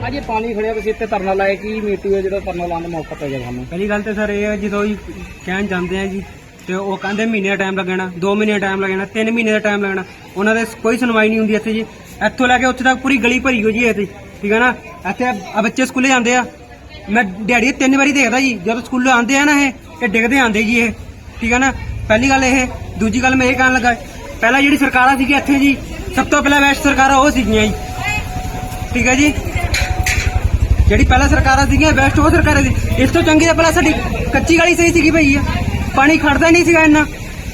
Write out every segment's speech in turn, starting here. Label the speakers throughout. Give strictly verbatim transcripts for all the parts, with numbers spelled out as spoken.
Speaker 1: ਅੱਜ ਇਹ ਪਾਣੀ ਖੜਿਆ ਤੁਸੀਂ ਇੱਥੇ ਧਰਨਾ ਲਾਇਆ, ਕੀ ਮੀਟੂ ਹੈ ਜਿਹੜਾ ਧਰਨਾ ਲਾਉਣ ਦਾ ਮੌਕਾ ਪੈ ਗਿਆ ਤੁਹਾਨੂੰ?
Speaker 2: ਪਹਿਲੀ ਗੱਲ ਤੇ ਸਰ ਇਹ ਹੈ, ਜਦੋਂ ਹੀ ਕਹਿਣ ਜਾਂਦੇ ਆ ਜੀ ਤੇ ਉਹ ਕਹਿੰਦੇ ਮਹੀਨੇ ਦਾ ਟਾਈਮ ਲੱਗਣਾ, ਦੋ ਮਹੀਨੇ ਦਾ ਟਾਈਮ ਲੱਗਣਾ, ਤਿੰਨ ਮਹੀਨੇ ਦਾ ਟਾਈਮ ਲੱਗਣਾ। ਉਹਨਾਂ ਦੇ ਕੋਈ ਸੁਣਵਾਈ ਨਹੀਂ ਹੁੰਦੀ ਇੱਥੇ ਜੀ। ਇੱਥੋਂ ਲੈ ਕੇ ਉੱਥੇ ਤੱਕ ਪੂਰੀ ਗਲੀ ਭਰੀ ਹੋ ਜੀ ਇੱਥੇ, ਠੀਕ ਹੈ ਨਾ। ਇੱਥੇ ਆ ਬੱਚੇ ਸਕੂਲੇ ਜਾਂਦੇ ਆ, ਮੈਂ ਦਿਹਾੜੀ ਤਿੰਨ ਵਾਰੀ ਦੇਖਦਾ ਜੀ, ਜਦੋਂ ਸਕੂਲੋਂ ਆਉਂਦੇ ਆ ਨਾ ਇਹ ਇਹ ਡਿੱਗਦੇ ਆਉਂਦੇ ਜੀ ਇਹ, ਠੀਕ ਹੈ ਨਾ। ਪਹਿਲੀ ਗੱਲ ਇਹ। ਦੂਜੀ ਗੱਲ ਮੈਂ ਇਹ ਕਹਿਣ ਲੱਗਾ, ਪਹਿਲਾਂ ਜਿਹੜੀ ਸਰਕਾਰਾਂ ਸੀਗੀ ਇੱਥੇ ਜੀ, ਸਭ ਤੋਂ ਪਹਿਲਾਂ ਵੈਸਟ ਸਰਕਾਰਾਂ ਉਹ ਸੀਗੀਆਂ ਜੀ, ਠੀਕ ਹੈ ਜੀ। ਜਿਹੜੀ ਪਹਿਲਾਂ ਸਰਕਾਰਾਂ ਸੀਗੀਆਂ ਵੈਸਟ ਉਹ ਸਰਕਾਰਾਂ ਸੀ। ਇਸ ਤੋਂ ਚੰਗੀ ਤਾਂ ਪਹਿਲਾਂ ਸਾਡੀ ਕੱਚੀ ਗਲੀ ਸਹੀ ਸੀਗੀ ਭਈ ਆ, ਪਾਣੀ ਖੜਦਾ ਨਹੀਂ ਸੀਗਾ ਇੰਨਾ।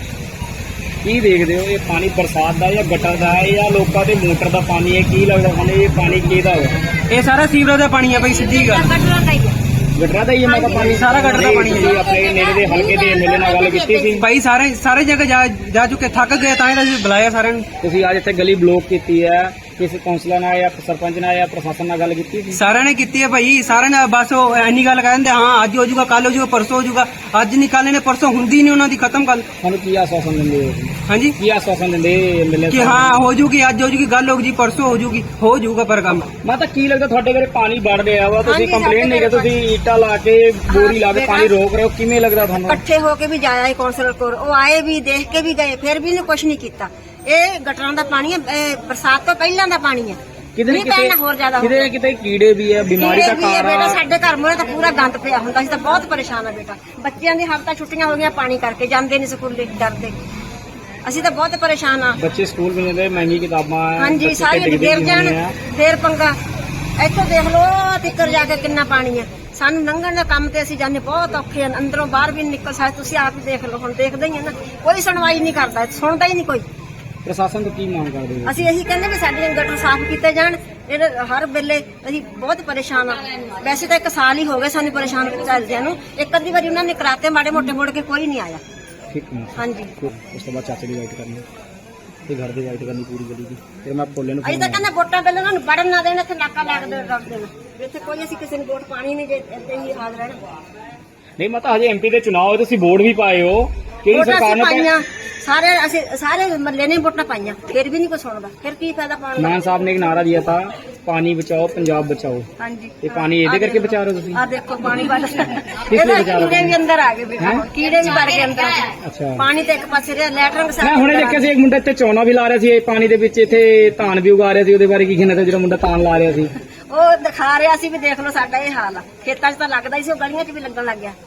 Speaker 1: ਕੀ ਦੇਖਦੇ ਹੋ, ਇਹ ਪਾਣੀ ਬਰਸਾਤ ਦਾ ਜਾਂ ਗਟਰ ਦਾ ਹੈ ਜਾਂ ਲੋਕਾਂ ਦੇ ਮੋਟਰ ਦਾ ਪਾਣੀ ਹੈ? ਕੀ ਲੱਗਦਾ ਤੁਹਾਨੂੰ ਇਹ ਪਾਣੀ ਕਿਹਦਾ ਹੋਵੇ?
Speaker 2: ਇਹ ਸਾਰਾ ਸੀਵਰੇਜ ਦਾ ਪਾਣੀ ਆ ਬਈ, ਸਿੱਧੀ ਗੱਲ।
Speaker 1: ਗਟਰਾਂ ਦਾ ਹੀ ਹੈ ਮਤਲਬ ਪਾਣੀ?
Speaker 2: ਸਾਰਾ ਗਟਰ ਦਾ ਪਾਣੀ ਹੈ ਜੀ।
Speaker 1: ਆਪਣੇ ਨੇੜੇ ਦੇ ਹਲਕੇ ਦੇ ਐਮਐਲਏ ਨਾਲ ਗੱਲ ਕੀਤੀ ਸੀ?
Speaker 2: ਭਾਈ ਸਾਰੇ ਸਾਰੇ ਜਗ੍ਹਾ ਜਾ ਜਾ ਚੁੱਕੇ, ਥੱਕ ਗਏ, ਤਾਂ ਹੀ ਤਾਂ ਅਸੀਂ ਬੁਲਾਇਆ ਸਾਰਿਆਂ ਨੂੰ।
Speaker 1: ਤੁਸੀਂ ਅੱਜ ਇੱਥੇ ਗਲੀ ਬਲੌਕ ਕੀਤੀ ਹੈ, ਕਿਸੇ ਕੌਂਸਲਰ ਨਾਲ ਜਾਂ ਸਰਪੰਚ ਨਾਲ ਜਾਂ ਪ੍ਰਸ਼ਾਸਨ ਨਾਲ ਗੱਲ ਕੀਤੀ ਸੀ?
Speaker 2: ਸਾਰਿਆਂ ਨੇ ਕੀਤੀ ਹੈ ਭਾਈ, ਸਾਰਿਆਂ ਨੇ ਬਸ ਉਹ ਇੰਨੀ ਗੱਲ ਕਹਿੰਦੇ ਹਾਂ ਅੱਜ ਹੋ ਜਾਊਗਾ, ਕੱਲ ਹੋ ਜਾਊਗਾ, ਪਰਸੋਂ ਹੋ ਜਾਊਗਾ। ਅੱਜ ਨਹੀਂ ਕੱਲ ਨੇ, ਪਰਸੋਂ ਹੁੰਦੀ ਨਹੀਂ ਉਹਨਾਂ ਦੀ, ਖਤਮ ਗੱਲ।
Speaker 1: ਤੁਹਾਨੂੰ ਕੀ ਆਸ਼ਵਾਸਨ ਦਿੰਦੇ ਹੋ?
Speaker 2: ਹਾਂਜੀ,
Speaker 1: ਕੀ ਆਸ਼ਵਾਸਨ ਦਿੰਦੇ ਐਮਐਲਏ
Speaker 2: ਕਿ ਹਾਂ ਹੋ ਜੂਗੀ, ਅੱਜ ਹੋ ਜੂਗੀ, ਗੱਲ ਹੋ ਜੀ, ਪਰਸੋਂ ਹੋ ਜੂਗੀ, ਹੋ ਜਾਊਗਾ ਪਰ ਕੰਮ।
Speaker 1: ਮੈਂ ਤਾਂ ਕੀ ਲੱਗਦਾ ਤੁਹਾਡੇ ਘਰੇ ਪਾਣੀ ਵੜ ਰਿਹਾ ਵਾ, ਤੁਸੀਂ ਕੰਪਲੇਂਟ ਨਹੀਂ ਕਰ, ਤੁਸੀਂ ਈਟਾਂ ਲਾ ਕੇ ਬੋਰੀ ਲਾ ਕੇ ਪਾਣੀ ਰੋਕ ਰਹੇ ਹੋ, ਕਿਵੇਂ ਲੱਗਦਾ ਤੁਹਾਨੂੰ?
Speaker 3: ਇਕੱਠੇ ਹੋ ਕੇ ਵੀ ਜਾਇਆ ਕੌਂਸਲਰ ਕੋਲ, ਉਹ ਆਏ ਵੀ, ਦੇਖ ਕੇ ਵੀ ਗਏ, ਫਿਰ ਵੀ ਇਹਨੇ ਕੁਝ ਨਹੀਂ ਕੀਤਾ। ਇਹ ਗਟਰਾਂ ਦਾ ਪਾਣੀ ਹੈ, ਇਹ ਬਰਸਾਤ ਤੋਂ ਪਹਿਲਾਂ ਦਾ ਪਾਣੀ ਹੈ।
Speaker 1: ਕਿਤੇ
Speaker 3: ਨਹੀਂ ਪੈਣਾ ਹੋਰ ਜ਼ਿਆਦਾ
Speaker 1: ਕਿਤੇ ਨਾ ਕਿਤੇ ਕੀੜੇ ਵੀ ਹੈ, ਬਿਮਾਰੀ ਦਾ
Speaker 3: ਕੀੜੇ ਵੀ ਹੈ
Speaker 1: ਕਾਰਨ
Speaker 3: ਬੇਟਾ।
Speaker 1: ਆ।
Speaker 3: ਸਾਡੇ ਘਰ ਮੂਹਰੇ ਤਾਂ ਪੂਰਾ ਗੰਦ ਪਿਆ ਹੁੰਦਾ, ਅਸੀਂ ਤਾਂ ਬਹੁਤ ਪਰੇਸ਼ਾਨ ਆ ਬੇਟਾ। ਬੱਚਿਆਂ ਦੀ ਹਫ਼ਤਾ ਛੁੱਟੀਆਂ ਹੋ ਗਈਆਂ ਪਾਣੀ ਕਰਕੇ, ਜਾਂਦੇ ਨਹੀਂ ਸਕੂਲੇ ਡਰਦੇ। ਅਸੀਂ ਤਾਂ ਬਹੁਤ ਪਰੇਸ਼ਾਨ ਆ।
Speaker 1: ਬੱਚੇ ਸਕੂਲ ਵੀ ਜਾਂਦੇ, ਮਹਿੰਗੀ ਕਿਤਾਬਾਂ ਹੈ,
Speaker 3: ਹਾਂਜੀ,
Speaker 1: ਬੱਚੇ
Speaker 3: ਸਾਰੇ
Speaker 1: ਢਿੱਡ
Speaker 3: ਗਿਰ
Speaker 1: ਦੀ
Speaker 3: ਜਾਣ
Speaker 1: ਹੋਣੀ ਆ।
Speaker 3: ਫੇਰ ਪੰਗਾ। ਇੱਥੋਂ ਦੇਖ ਲਓ ਤਿੱਕਰ ਜਾ ਕੇ ਕਿੰਨਾ ਪਾਣੀ ਹੈ। ਸਾਨੂੰ ਲੰਘਣ ਦਾ ਕੰਮ ਤੇ ਅਸੀਂ ਜਾਂਦੇ ਬਹੁਤ ਔਖੇ ਹਨ, ਅੰਦਰੋਂ ਬਾਹਰ ਵੀ ਨਹੀਂ ਨਿਕਲ ਸਕਦੇ। ਤੁਸੀਂ ਆਪ ਹੀ ਦੇਖ ਲਓ, ਹੁਣ ਦੇਖਦੇ ਹੀ ਆ ਨਾ, ਕੋਈ ਸੁਣਵਾਈ ਨਹੀਂ ਕਰਦਾ, ਸੁਣਦਾ ਹੀ ਨਹੀਂ ਕੋਈ।
Speaker 1: ਪ੍ਰਸ਼ਾਸਨ ਤੋਂ ਕੀ ਮੰਗ ਕਰਦੇ ਹੋ?
Speaker 3: ਅਸੀਂ ਇਹੀ ਕਹਿੰਦੇ ਵੀ ਸਾਡੇ ਗਟਰ ਸਾਫ਼ ਕੀਤੇ ਜਾਣ। ਇਹ ਹਰ ਵੇਲੇ ਅਸੀਂ ਬਹੁਤ ਪਰੇਸ਼ਾਨ ਆ। ਵੈਸੇ ਤਾਂ ਇੱਕ ਸਾਲ ਹੀ ਹੋ ਗਏ ਸਾਨੂੰ ਪਰੇਸ਼ਾਨ ਚੱਲਦਿਆਂ ਨੂੰ। ਇੱਕ ਅੱਧੀ ਵਾਰੀ ਉਹਨਾਂ ਨੇ ਕਰਾਤੇ ਮਾੜੇ ਮੋਟੇ, ਮੁੜ ਕੇ ਕੋਈ ਨਹੀਂ ਆਇਆ।
Speaker 1: ਠੀਕ ਹੈ।
Speaker 3: ਹਾਂਜੀ,
Speaker 1: ਉਸ ਤੋਂ ਬਾਅਦ ਚਾਚੇ ਦੀ ਵਾਈਟ ਕਰਨੀ ਤੇ ਘਰ ਦੀ ਵਾਈਟ ਕਰਨੀ ਪੂਰੀ ਗਲੀ ਦੀ। ਫਿਰ ਮੈਂ ਭੋਲੇ ਨੂੰ
Speaker 3: ਅਸੀਂ ਤਾਂ ਕਹਿੰਦੇ ਵੋਟਾਂ ਪਹਿਲਾਂ ਉਹਨਾਂ ਨੂੰ ਵੜਨ ਨਾ ਦੇਣ, ਇੱਥੇ ਨਾਕਾ ਲਾ ਕੇ ਰੱਖ ਦੇਣਾ। ਇੱਥੇ ਕੋਈ ਅਸੀਂ ਕਿਸੇ ਨੂੰ ਵੋਟ ਪਾਣੀ ਨਹੀਂ, ਜੇ ਇੱਥੇ ਹੀ ਹਾਲ ਰਹਿਣਾ।
Speaker 1: ਨਹੀਂ ਮੈਂ ਤਾਂ ਹਜੇ ਐਮਪੀ ਦੇ ਚੁਣਾਵ ਹੋਏ, ਤੁਸੀਂ ਵੋਟ ਵੀ ਪਾਏ ਹੋ, ਕਿਹੜੀ
Speaker 3: ਵੋਟਾਂ
Speaker 1: ਸਰਕਾਰ
Speaker 3: ਅਸੀਂ
Speaker 1: ਨੇ
Speaker 3: ਪਾਈਆਂ, ਸਾਰੇ ਅਸੀਂ ਸਾਰੇ ਮੱਲੇ ਨੇ ਵੋਟਾਂ ਪਾਈਆਂ, ਫਿਰ ਵੀ ਨਹੀਂ ਕੋਈ ਸੁਣਦਾ। ਫਿਰ ਕੀ ਫਾਇਦਾ ਪਾਉਣ ਦਾ?
Speaker 1: मान साहब ने एक नारा दिया था, पानी बचाओ पंजाब बचाओ।
Speaker 3: ਹਾਂਜੀ,
Speaker 1: ये पानी ਇਹਦੇ ਕਰਕੇ ਬਚਾ ਰਹੇ ਹੋ ਤੁਸੀਂ?
Speaker 3: ਆ ਦੇਖੋ ਪਾਣੀ ਵੱਲ
Speaker 1: ਲਈ ਬਚਾ ਰਹੇ ਹੋ?
Speaker 3: ਕੀੜੇ ਵੀ ਅੰਦਰ ਆ ਗਏ ਬੇਟਾ, ਕੀੜੇ ਵੀ ਵੜ ਗਏ ਅੰਦਰ।
Speaker 1: ਅੱਛਾ,
Speaker 3: ਪਾਣੀ ਤੇ ਇੱਕ ਪਾਸੇ ਰਿਹਾ, ਲੈਟਰਿੰਗ
Speaker 1: ਮੈਂ ਹੁਣੇ ਦੇਖਿਆ ਸੀ ਇੱਕ ਮੁੰਡਾ ਇੱਥੇ ਚੌਣਾ ਵੀ ਲਾ ਰਿਹਾ ਸੀ, ਇਹ ਪਾਣੀ ਦੇ ਵਿੱਚ ਇੱਥੇ ਧਾਨ ਵੀ ਉਗਾ ਰਿਹਾ ਸੀ। ਉਹਦੇ ਬਾਰੇ ਕੀ ਕਹਿਣਾ, ਜਿਹੜਾ ਮੁੰਡਾ ਧਾਨ ਲਾ ਰਿਹਾ ਸੀ?
Speaker 3: ਉਹ ਦਿਖਾ ਰਿਹਾ ਸੀ ਵੀ ਦੇਖ ਲਓ ਸਾਡਾ ਇਹ ਹਾਲ ਆ। ਖੇਤਾਂ 'ਚ ਤਾਂ ਲੱਗਦਾ ਹੀ ਸੀ, ਉਹ ਗਲੀਆਂ 'ਚ ਵੀ ਲੱਗਣ ਲੱਗ ਗਿਆ।